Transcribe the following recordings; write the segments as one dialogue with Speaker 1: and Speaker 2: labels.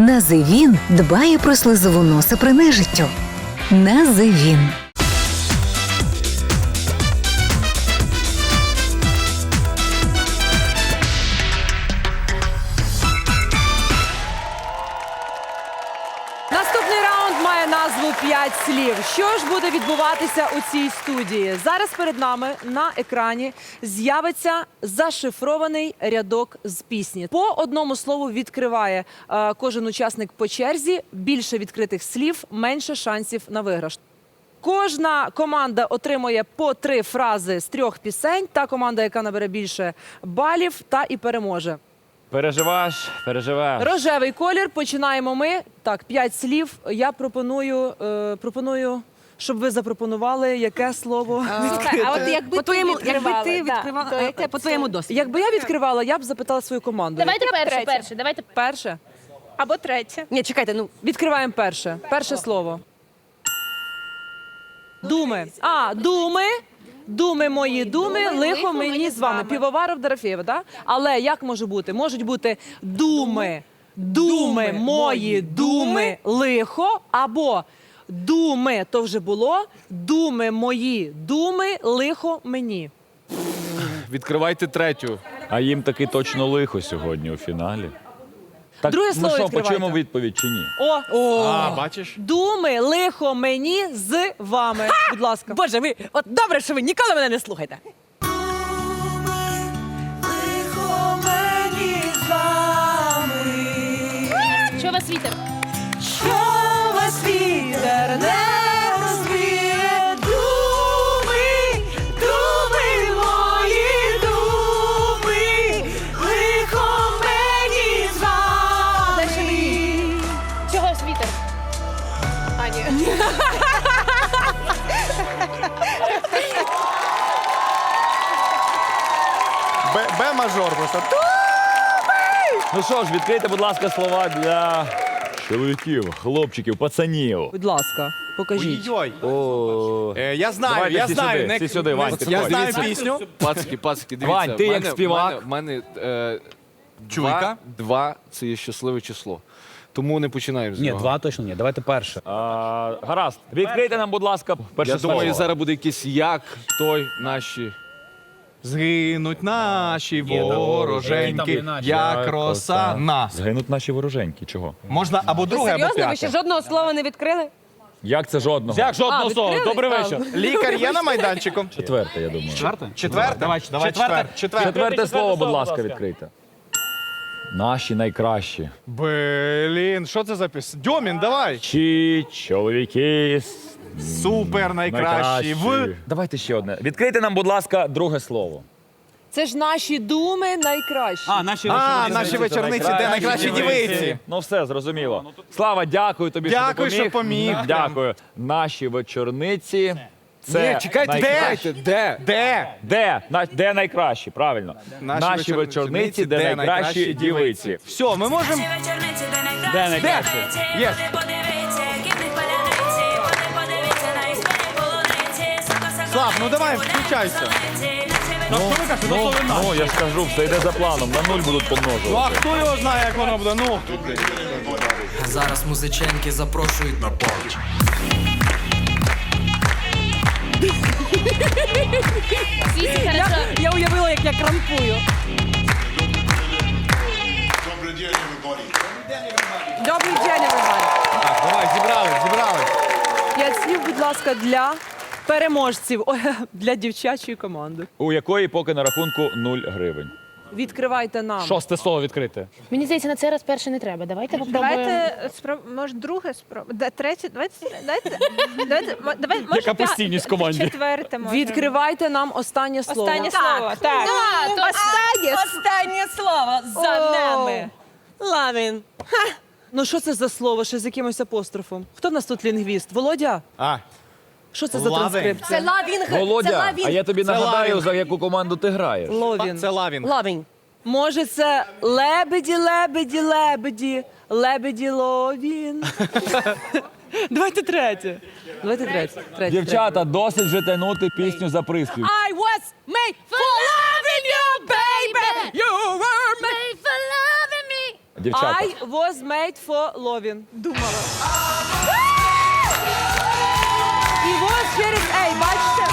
Speaker 1: Називін дбає про слизову носа при нежиттю. Називін.
Speaker 2: Наступний раунд має назву «5 слів». Що ж буде відбуватися у цій студії? Зараз перед нами на екрані з'явиться зашифрований рядок з пісні. По одному слову відкриває кожен учасник по черзі. Більше відкритих слів, менше шансів на виграш. Кожна команда отримує по 3 фрази з 3 пісень. Та команда, яка набере більше балів, та і переможе.
Speaker 3: Переживаєш, переживеш.
Speaker 2: Рожевий колір. Починаємо ми. Так, 5 слів. Я пропоную, щоб ви запропонували, яке слово.
Speaker 4: А от якби ти відкривала,
Speaker 5: по твоєму досвіду.
Speaker 2: Якби я відкривала, я б запитала свою команду.
Speaker 4: Давайте перше. Давайте
Speaker 2: Перше.
Speaker 4: або третє.
Speaker 5: Ні, чекайте, ну
Speaker 2: Відкриваємо перше. Перше слово. Думи. Думи. Думи мої, думи, лихо мені з вами. Півоваров, Дорофєєва, так? Але як може бути? Можуть бути думи, мої, думи, лихо, або думи, то вже було, думи мої, думи, лихо мені.
Speaker 6: Відкривайте третю.
Speaker 3: А їм таки точно лихо сьогодні у фіналі. Так,
Speaker 2: Друге
Speaker 3: ну
Speaker 2: слово
Speaker 3: що,
Speaker 2: відкривайте.
Speaker 3: почуємо відповідь чи ні?
Speaker 6: Бачиш?
Speaker 2: Думи, лихо мені з вами. Будь ласка.
Speaker 5: Боже, ви от добре, що ви ніколи мене не слухаєте.
Speaker 4: Що вас вітер?
Speaker 2: Що вас вітер не розвіє, думи, думи мої, думи, лихо мені з вами.
Speaker 4: Чого вас вітер?
Speaker 6: Б-мажор просто.
Speaker 3: Ну що ж, відкрийте, будь ласка, слова для чоловіків, хлопчиків, пацанів.
Speaker 2: Будь ласка, покажіть.
Speaker 6: Ой.
Speaker 3: О,
Speaker 6: Я знаю,
Speaker 3: Давайте
Speaker 6: я
Speaker 3: всі
Speaker 6: знаю.
Speaker 3: сюди, всі сюди, Вань,
Speaker 6: Я
Speaker 3: підходь.
Speaker 6: знаю пісню.
Speaker 7: Пацки, дивіться.
Speaker 3: Вань, ти як співак.
Speaker 7: В мене
Speaker 6: Чуйка.
Speaker 7: два – це є щасливе число. Тому не починаємо з
Speaker 8: Ні,
Speaker 7: нього.
Speaker 8: 2 точно ні. Давайте перше.
Speaker 3: Гаразд, відкрийте нам, будь ласка, перше
Speaker 7: Я
Speaker 3: слово.
Speaker 7: думаю, зараз буде якийсь як, той, наші.
Speaker 6: Згинуть наші
Speaker 8: там
Speaker 6: вороженьки,
Speaker 8: і наші.
Speaker 6: як роса на.
Speaker 3: Згинуть наші вороженьки. Чого?
Speaker 6: Можна або друге, або
Speaker 5: Серйозно, ви ще
Speaker 6: п'яте.
Speaker 5: жодного слова не відкрили?
Speaker 3: Як це жодного?
Speaker 8: Як жодного слова?
Speaker 5: відкрили?
Speaker 8: Добрий вечір.
Speaker 6: Лікар є на майданчику?
Speaker 3: Четверте, я думаю.
Speaker 6: Четверте? Давай четверте.
Speaker 3: Четверте слово, будь ласка, відкрийте. Наші найкращі.
Speaker 6: Блін, що це за пісня? Дьомін, давай.
Speaker 3: Чи чоловіки
Speaker 6: Супер найкращі. В.
Speaker 3: Давайте ще одне. Відкрийте нам, будь ласка, друге слово.
Speaker 2: Це ж наші думи найкращі.
Speaker 6: Наші вечорниці, де найкращі дівиці.
Speaker 3: Ну все, зрозуміло. Слава, дякую тобі,
Speaker 6: Дякую,
Speaker 3: що
Speaker 6: що
Speaker 3: допоміг.
Speaker 6: поміг.
Speaker 3: Дякую. Наші вечорниці. Це
Speaker 7: Ні, чекайте,
Speaker 3: найкращі.
Speaker 6: Де?
Speaker 3: Де найкращі, правильно. Наші вечорниці, де найкращі дівиці.
Speaker 6: Все, ми можемо.
Speaker 3: Де найкращі?
Speaker 6: Є. Слав, ну давай, включайся.
Speaker 3: Ну, я ж кажу, все йде за планом. На 0 будуть
Speaker 6: Ну а
Speaker 3: помножувати.
Speaker 6: хто його знає, як воно буде? Ну.
Speaker 9: Зараз музиченьки запрошують на парті.
Speaker 4: Світі, хорошо.
Speaker 2: Я уявила, як я крампую. Добрий день, everybody.
Speaker 6: Так, давай, зібрались.
Speaker 2: 5 слів, будь ласка, для переможців, для дівчачої команди.
Speaker 3: У якої поки на рахунку 0 гривень.
Speaker 2: Відкривайте нам.
Speaker 8: Шосте слово відкрите.
Speaker 4: Мені здається, на цей раз перше не треба. Давайте попробуємо.
Speaker 10: Давайте може друге спробуємо. Третє, давайте, може
Speaker 8: Яка постійність в команді?
Speaker 10: четверте може.
Speaker 2: Відкривайте нам останнє слово.
Speaker 10: Останнє слово. Так.
Speaker 5: Останнє слово за нами. Ламін.
Speaker 2: Ну що це за слово, ще з якимось апострофом? Хто в нас тут лінгвіст? Володя? Що це за
Speaker 6: Лавин.
Speaker 2: транскрипція?
Speaker 5: Це лавінг.
Speaker 3: Володя, а я тобі нагадаю,
Speaker 6: лавінг.
Speaker 3: за яку команду ти граєш.
Speaker 2: Ловін.
Speaker 6: Це лавінг.
Speaker 5: Лавінг.
Speaker 2: Може це лебеді, лебеді, лебеді, лебеді, ловін. Давайте третє. Давайте третє.
Speaker 3: Дівчата, досить вже тягнути пісню за приспів.
Speaker 5: I was made for loving you, baby. You were made for loving me.
Speaker 3: Дівчата.
Speaker 2: I was made for loving. Думала. І was через A, бачите?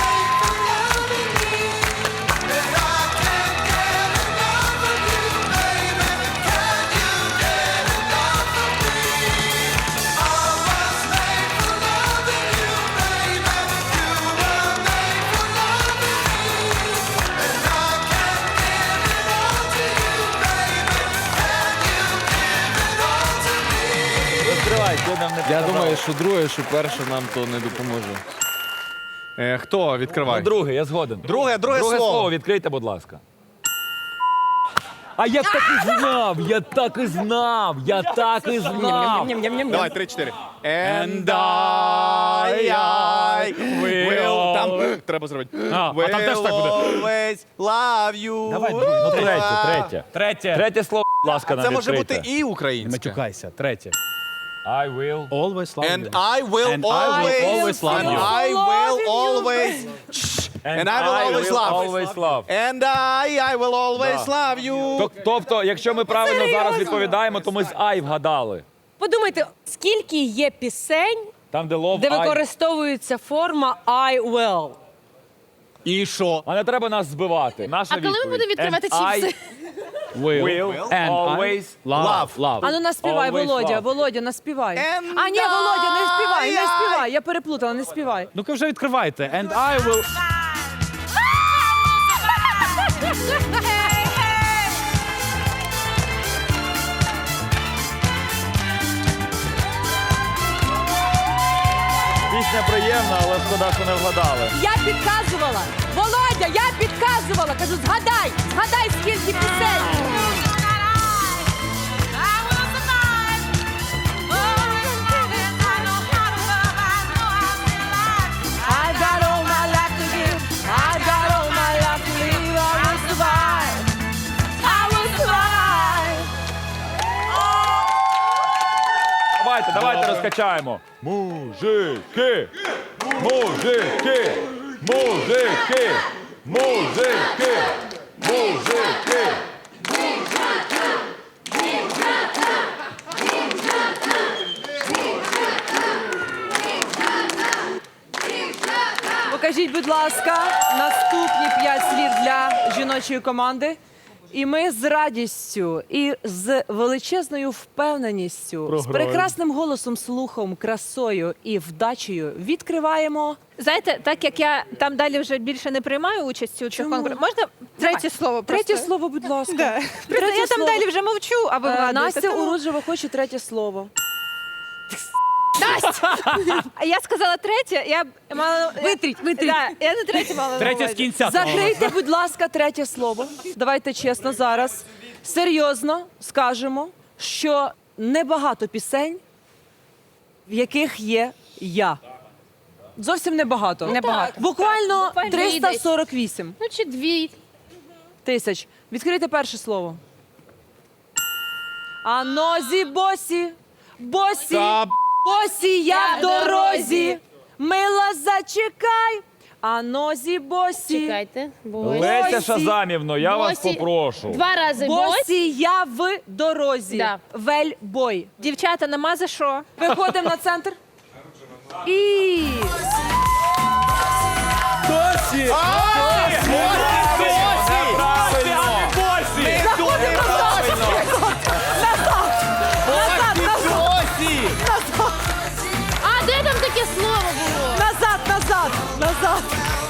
Speaker 3: Відкривай, ти нам не
Speaker 7: Я
Speaker 3: показав.
Speaker 7: думаю, що друге, що перше нам то не допоможе.
Speaker 6: Хто відкриває?
Speaker 3: Ну, друге, я згоден.
Speaker 6: Друге
Speaker 3: слово відкрийте, будь ласка. А я так і знав, я так і знав, я так і знав.
Speaker 6: Давай, 3-4. And I will... Там треба зробити.
Speaker 8: А там теж так буде.
Speaker 6: Always love you.
Speaker 8: Давай,
Speaker 3: Ну, третє.
Speaker 8: Третє.
Speaker 3: Третє слово, будь ласка, нам
Speaker 6: Це може
Speaker 3: відкрийте.
Speaker 6: бути і
Speaker 8: Не
Speaker 6: українське.
Speaker 8: матюкайся. Третє.
Speaker 3: I will.
Speaker 8: Always love
Speaker 6: And
Speaker 8: you.
Speaker 6: I will
Speaker 8: And I will
Speaker 6: always
Speaker 8: always love
Speaker 6: and
Speaker 8: you.
Speaker 6: I will always And I will always love.
Speaker 3: Always love.
Speaker 6: And I will always love you.
Speaker 3: Тобто, якщо ми правильно зараз відповідаємо, то ми з I вгадали.
Speaker 5: Подумайте, скільки є пісень,
Speaker 3: Там, де love,
Speaker 5: де
Speaker 3: I.
Speaker 5: використовується форма I will.
Speaker 6: І що?
Speaker 3: А не треба нас збивати. Наша
Speaker 4: А коли ми
Speaker 3: відповідь.
Speaker 4: будемо відкривати
Speaker 3: And I
Speaker 4: чіпси?
Speaker 3: will
Speaker 8: And
Speaker 3: always
Speaker 8: Love. Love.
Speaker 2: А ну наспівай,
Speaker 3: Always
Speaker 2: Володя,
Speaker 3: love.
Speaker 2: Володя, наспівай.
Speaker 6: And
Speaker 2: А ні, Володя, не співай, не
Speaker 6: I-
Speaker 2: співай. Я переплутала, не співай.
Speaker 8: Ну-ка вже відкривайте. And I will...
Speaker 3: Пісня приємна, але шкода, що не вгадали.
Speaker 5: Я підказувала. Володя, я підказувала. Кажу, згадай, скільки пісень.
Speaker 2: I got all my life to give. I got all my life to live. I will survive. I will survive.
Speaker 3: Давайте розкачаємо. Мужики! Мужики! Мужики! Мужики! Мужики!
Speaker 2: Покажіть, будь ласка, наступні 5 слів для жіночої команди. І ми з радістю і з величезною впевненістю, з прекрасним голосом, слухом, красою і вдачею відкриваємо.
Speaker 10: Знаєте, так як я там далі вже більше не приймаю участі у цих
Speaker 2: Чому?
Speaker 10: конкурсах, можна третє слово?
Speaker 2: Третє
Speaker 10: просто?
Speaker 2: слово, будь ласка.
Speaker 10: Да. Просто я там
Speaker 2: слово.
Speaker 10: далі вже мовчу, а ви вгадуєте.
Speaker 2: Настя
Speaker 10: тому-
Speaker 2: Уруджева хоче третє слово.
Speaker 10: А я сказала третє, я мала...
Speaker 5: Витріть.
Speaker 10: Да, я не третє мала на
Speaker 8: Третє з
Speaker 10: увазі.
Speaker 8: кінця.
Speaker 2: Закрийте, будь ласка, третє слово. Давайте чесно зараз. Серйозно скажемо, що небагато пісень, в яких є я. Зовсім небагато.
Speaker 5: Небагато.
Speaker 2: Буквально
Speaker 4: Буквально
Speaker 2: 348
Speaker 4: Ну чи дві.
Speaker 2: тисяч. Відкрийте перше слово. А нозі босі, босі,
Speaker 6: Та
Speaker 2: босі, я в дорозі. Мила, зачекай. А нозі босі.
Speaker 4: Чекайте. Бось.
Speaker 3: Леся
Speaker 2: Босі.
Speaker 3: Шазамівно, я вас
Speaker 4: Босі.
Speaker 3: попрошу.
Speaker 4: Два рази бось.
Speaker 2: Босі, я в дорозі.
Speaker 4: Да.
Speaker 2: Вельбой.
Speaker 10: Дівчата, нема за що.
Speaker 2: Виходимо на центр. І
Speaker 3: Досі!
Speaker 4: А де там таке слово було?
Speaker 2: назад.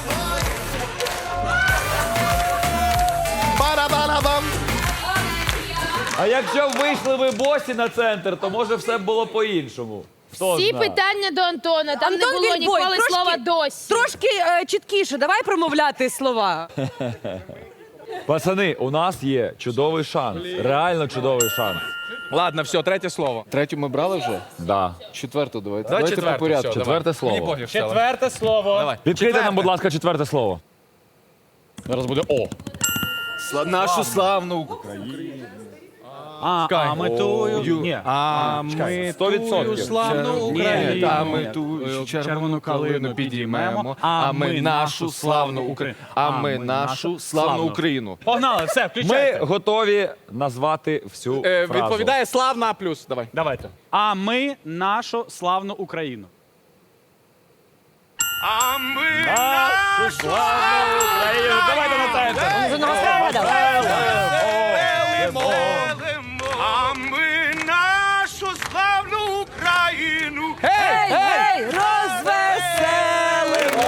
Speaker 6: Барабарабам.
Speaker 3: А якщо б вийшли ви босі на центр, то може все б було по-іншому. Хто
Speaker 4: Всі
Speaker 3: знає?
Speaker 4: питання до Антона. Там
Speaker 5: Антон
Speaker 4: не було
Speaker 5: Вільбой,
Speaker 4: ніколи
Speaker 5: трошки-
Speaker 4: слова досі.
Speaker 5: Трошки чіткіше, давай промовляти слова.
Speaker 3: Пацани, у нас є чудовий шанс. Реально чудовий шанс.
Speaker 6: Ладно, все, третє слово.
Speaker 7: Третю ми брали вже?
Speaker 3: Да.
Speaker 7: Четверту давайте.
Speaker 6: Давай
Speaker 7: Давайте по
Speaker 6: четверте,
Speaker 7: порядку.
Speaker 6: все,
Speaker 3: Четверте
Speaker 6: Мені
Speaker 3: слово.
Speaker 6: пофіг стало.
Speaker 8: Четверте слово.
Speaker 6: Давай.
Speaker 3: Відкрийте нам, будь ласка, четверте слово.
Speaker 8: Зараз буде О.
Speaker 6: Нашу славну Україну.
Speaker 8: А ми тую. Ні. А ми
Speaker 3: 100%.
Speaker 8: тую славну Україну.
Speaker 7: А ми ту червону калину підіймемо. А ми нашу славну Україну. А ми нашу славну Україну.
Speaker 8: Погнали, все,
Speaker 3: Ми
Speaker 8: включайте.
Speaker 3: готові назвати всю фразу.
Speaker 7: Відповідає славна плюс. Давай.
Speaker 8: Давайте. А ми нашу славну Україну.
Speaker 3: Нашу славну Україну. Давайте на центр.
Speaker 6: А ми нашу славну Україну.
Speaker 2: Гей, гей, розвеселимо!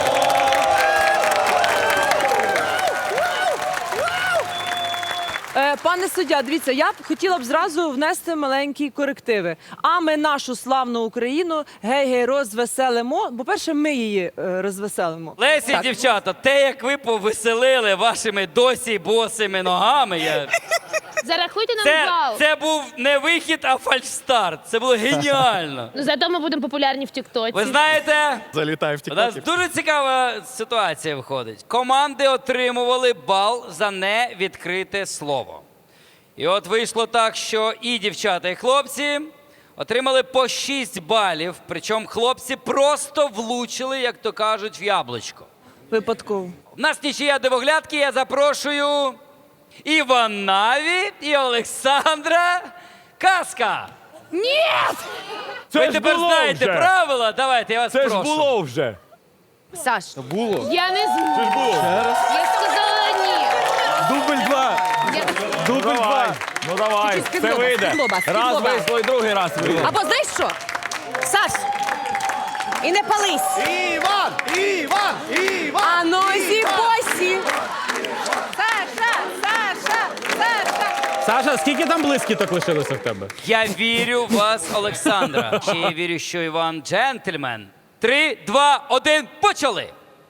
Speaker 2: Пане суддя, дивіться, я б хотіла б зразу внести маленькі корективи. А ми нашу славну Україну гей-гей розвеселимо. По-перше, ми її розвеселимо.
Speaker 11: Лесі, дівчата, те, як ви повеселили вашими досі босими ногами,
Speaker 4: Зарахуйте нам бал.
Speaker 11: це був не вихід, а фальшстарт. Це було геніально.
Speaker 4: Ну, зато ми будемо популярні в Тіктоці.
Speaker 11: Ви знаєте,
Speaker 7: Залітає в
Speaker 11: у нас
Speaker 7: тіктокі.
Speaker 11: дуже цікава ситуація виходить. Команди отримували бал за невідкрите слово. І от вийшло так, що і дівчата, і хлопці отримали по 6 балів. Причому хлопці просто влучили, як то кажуть, в яблучко.
Speaker 2: Випадково.
Speaker 11: У нас нічия дивоглядки, я запрошую Іванаві і Олександра Казка.
Speaker 3: Це
Speaker 11: Ви
Speaker 3: ж
Speaker 11: тепер
Speaker 3: було
Speaker 11: знаєте
Speaker 3: вже.
Speaker 11: правила, давайте, я вас
Speaker 3: Це ж
Speaker 11: прошу.
Speaker 3: було вже.
Speaker 5: Саш,
Speaker 4: Я не зможу.
Speaker 3: Це ж було.
Speaker 4: Я сказала ні.
Speaker 8: Дубль 2. Дубль
Speaker 3: Давай.
Speaker 8: 2.
Speaker 3: Ну давай,
Speaker 5: Тільки
Speaker 3: це
Speaker 5: з-під
Speaker 3: вийде.
Speaker 5: лоба, з-під
Speaker 3: Раз
Speaker 5: лоба.
Speaker 3: вийшло і другий раз вийде.
Speaker 5: або знаєш що? Саш, і не пались.
Speaker 6: Іван! Іван! Іван!
Speaker 5: А нозі посі. Саша, Саша, Саша.
Speaker 8: Саша, скільки там блискіток лишилося в тебе?
Speaker 11: Я вірю в вас, Олександра. Чи я вірю, що Іван джентльмен? 3, 2, 1, почали!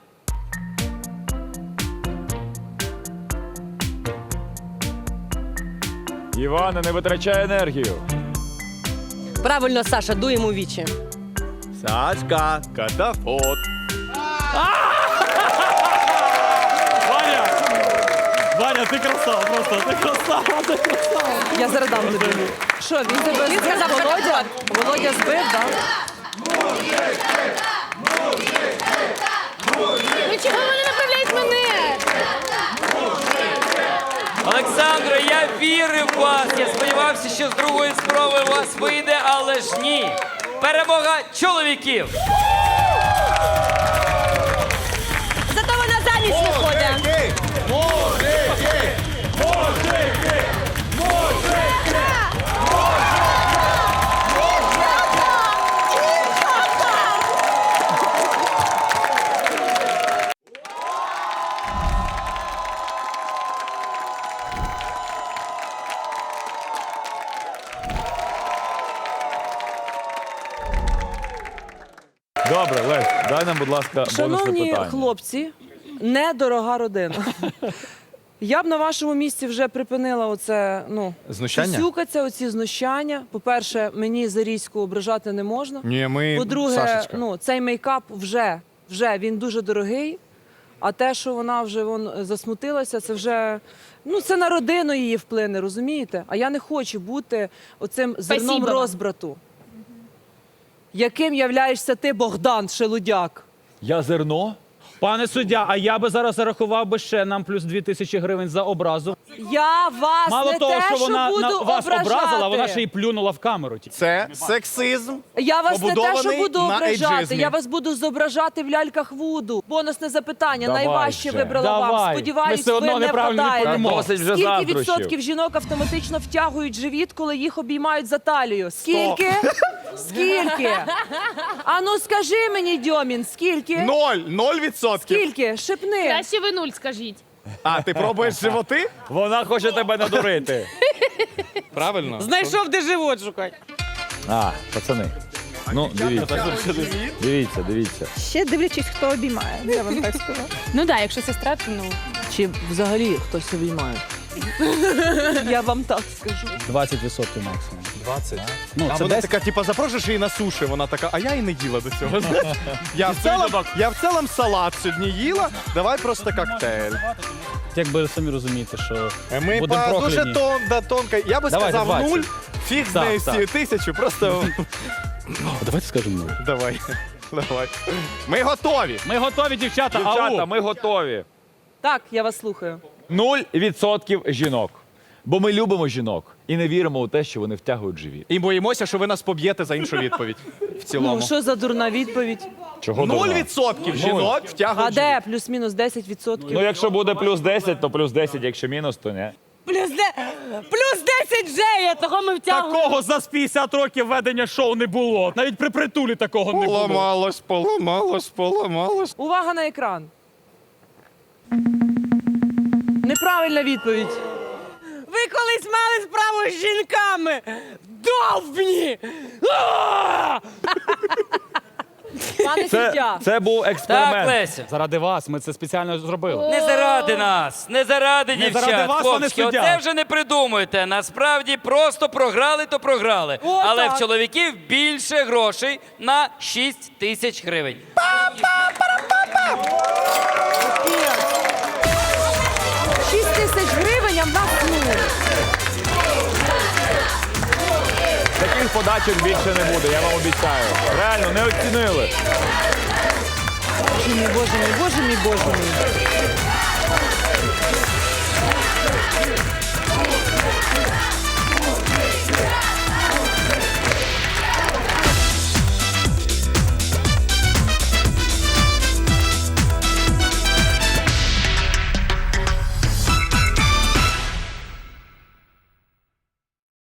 Speaker 3: Івана, не витрачай енергію.
Speaker 5: Правильно, Саша, дуємо у вічі.
Speaker 6: Сашка, катафот.
Speaker 8: Ваня! Ваня, ти красава, просто ти красава, ти красава.
Speaker 2: Я зараз дам тобі. Що, він тебе збив,
Speaker 5: сказав, що
Speaker 2: Володя? Володя збив, так?
Speaker 4: Ну чого ви не направляєте мене?
Speaker 11: Олександро, я вірив в вас. Я сподівався, що з другої спроби у вас вийде, але ж ні. Перемога чоловіків.
Speaker 5: Зато вона заміж виходить.
Speaker 3: Добре, Лесь, дай нам, будь ласка, бонусне
Speaker 2: Шановні
Speaker 3: питання.
Speaker 2: хлопці, недорога родина. Я б на вашому місці вже припинила оце,
Speaker 7: Знущання?
Speaker 2: сюсюкаться, оці знущання. По-перше, мені Зарізьку ображати не можна.
Speaker 7: Ні, ми
Speaker 2: По-друге,
Speaker 7: Сашечка.
Speaker 2: цей мейкап вже він дуже дорогий. А те, що вона вже засмутилася, це вже це на родину її вплине, розумієте? А я не хочу бути оцим зерном
Speaker 4: Спасибо вам.
Speaker 2: розбрату. Яким являєшся ти, Богдан Шелудяк?
Speaker 3: Я зерно?
Speaker 8: Пане суддя, а я би зараз зарахував би ще нам плюс 2000 гривень за образу.
Speaker 2: Я вас
Speaker 8: Мало
Speaker 2: не
Speaker 8: того,
Speaker 2: те,
Speaker 8: що вона
Speaker 2: буду
Speaker 8: вас
Speaker 2: ображати.
Speaker 8: образила, вона ще й плюнула в камеру.
Speaker 6: Це сексизм.
Speaker 2: Я вас не те, що
Speaker 6: побудований
Speaker 2: буду
Speaker 6: на
Speaker 2: ображати,
Speaker 6: ейджизмі.
Speaker 2: я вас буду зображати в ляльках Вуду. Бонусне запитання,
Speaker 3: Давай
Speaker 2: найважче
Speaker 3: же.
Speaker 2: вибрала вам.
Speaker 8: Давай. Ми
Speaker 2: Сподіваюсь,
Speaker 8: все одно
Speaker 2: ви не
Speaker 8: неправильно
Speaker 2: вгадаєте.
Speaker 8: відповімо.
Speaker 3: Досить вже
Speaker 2: Скільки
Speaker 3: заздрощів.
Speaker 2: відсотків жінок автоматично втягують живіт, коли їх обіймають за талію? Скільки? Скільки? А ну скажи мені, Дьомін, скільки?
Speaker 6: 0%
Speaker 2: Скільки? Шипни.
Speaker 4: Краще ви 0 скажіть.
Speaker 6: А, ти пробуєш животи?
Speaker 3: Вона хоче тебе надурити.
Speaker 7: Правильно?
Speaker 5: Знайшов, де живот шукати.
Speaker 3: Пацани. Ну, дивіться. Дивіться.
Speaker 10: Ще дивлячись, хто обіймає. Я вам так скажу.
Speaker 4: Ну так, якщо сестра, то
Speaker 2: Чи взагалі хтось обіймає? Я вам так скажу.
Speaker 8: 20% максимум.
Speaker 7: 20.
Speaker 8: Ну,
Speaker 6: А
Speaker 8: це
Speaker 6: вона
Speaker 8: десь
Speaker 6: така, запрошуєш її на суші, вона така, а я і не їла до цього. Я в цілому салат сьогодні їла, давай просто коктейль.
Speaker 8: якби самі розумієте, що
Speaker 6: Ми
Speaker 8: будемо
Speaker 6: по дуже
Speaker 8: прокляні.
Speaker 6: тонко. Я би
Speaker 3: Давайте
Speaker 6: сказав
Speaker 3: 20.
Speaker 6: 0, фіг з нею з
Speaker 8: Так,
Speaker 6: цією 1000, просто
Speaker 8: Давайте скажемо 0.
Speaker 6: давай. Давай. Ми готові.
Speaker 8: Ми готові, дівчата.
Speaker 3: Дівчата,
Speaker 8: Ау!
Speaker 3: ми готові.
Speaker 2: Так, я вас слухаю.
Speaker 3: 0% жінок. Бо ми любимо жінок і не віримо у те, що вони втягують живіт.
Speaker 6: І боїмося, що ви нас поб'єте за іншу відповідь. В цілому.
Speaker 2: Ну, що за дурна відповідь?
Speaker 3: Чого
Speaker 6: 0% жінок
Speaker 2: А
Speaker 6: втягують
Speaker 2: де плюс-мінус 10%?
Speaker 3: Ну, якщо буде плюс 10, то плюс 10, якщо мінус, то ні.
Speaker 5: Плюс 10 вже є, того ми втягуємо.
Speaker 8: Такого за 50 років ведення шоу не було. Навіть при притулі такого не було.
Speaker 6: Поламалось.
Speaker 2: Увага на екран. Неправильна відповідь.
Speaker 5: Ви колись мали справу з жінками. Довбні!
Speaker 2: Пане суддя.
Speaker 3: Це був
Speaker 11: Так,
Speaker 3: експеримент.
Speaker 11: Леся.
Speaker 8: Заради вас, ми це спеціально зробили.
Speaker 11: Не заради нас, не заради
Speaker 8: Не
Speaker 11: дівчат.
Speaker 8: заради вас, пане
Speaker 11: Хлопчики,
Speaker 8: суддя.
Speaker 11: оце вже не придумуйте. Насправді просто програли, то програли.
Speaker 2: О,
Speaker 11: Але
Speaker 2: так.
Speaker 11: в чоловіків більше грошей на 6 тисяч гривень.
Speaker 2: 6 тисяч гривень, а в нас нуль.
Speaker 3: Таких подачок більше не буде, я вам обіцяю. Реально, не оцінили.
Speaker 2: Боже мій, боже мій, боже мій, боже мій.